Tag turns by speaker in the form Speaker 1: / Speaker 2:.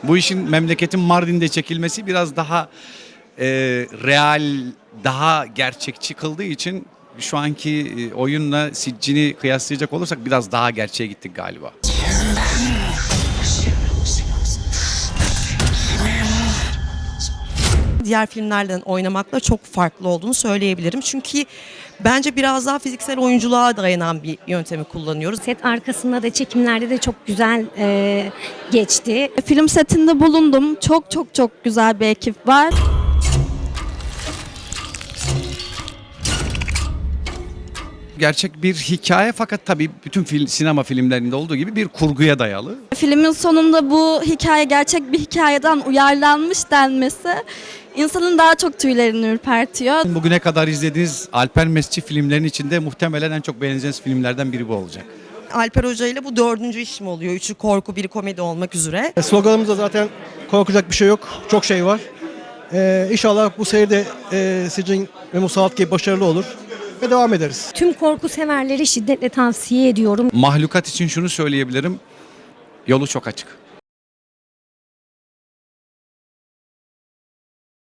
Speaker 1: Bu işin memleketin Mardin'de çekilmesi biraz daha real, daha gerçekçi kıldığı için şu anki oyunla Siccin'i kıyaslayacak olursak biraz daha gerçeğe gittik galiba.
Speaker 2: Diğer filmlerden oynamakla çok farklı olduğunu söyleyebilirim. Çünkü bence biraz daha fiziksel oyunculuğa dayanan bir yöntemi kullanıyoruz.
Speaker 3: Set arkasında da çekimlerde de çok güzel geçti.
Speaker 4: Film setinde bulundum. Çok güzel bir ekip var.
Speaker 1: Gerçek bir hikaye fakat tabii bütün sinema filmlerinde olduğu gibi bir kurguya dayalı.
Speaker 4: Filmin sonunda bu hikaye gerçek bir hikayeden uyarlanmış denmesi insanın daha çok tüylerini ürpertiyor.
Speaker 1: Bugüne kadar izlediğiniz Alper Mesci filmlerinin içinde muhtemelen en çok beğeneceğiniz filmlerden biri bu olacak.
Speaker 2: Alper Hoca ile bu 4. işim oluyor. 3'ü korku, 1'i komedi olmak üzere.
Speaker 5: Sloganımızda zaten korkacak bir şey yok. Çok şey var. İnşallah bu seride Siccin ve Musallat gibi başarılı olur ve devam ederiz.
Speaker 3: Tüm korku severleri şiddetle tavsiye ediyorum.
Speaker 1: Mahlukat için şunu söyleyebilirim. Yolu çok açık.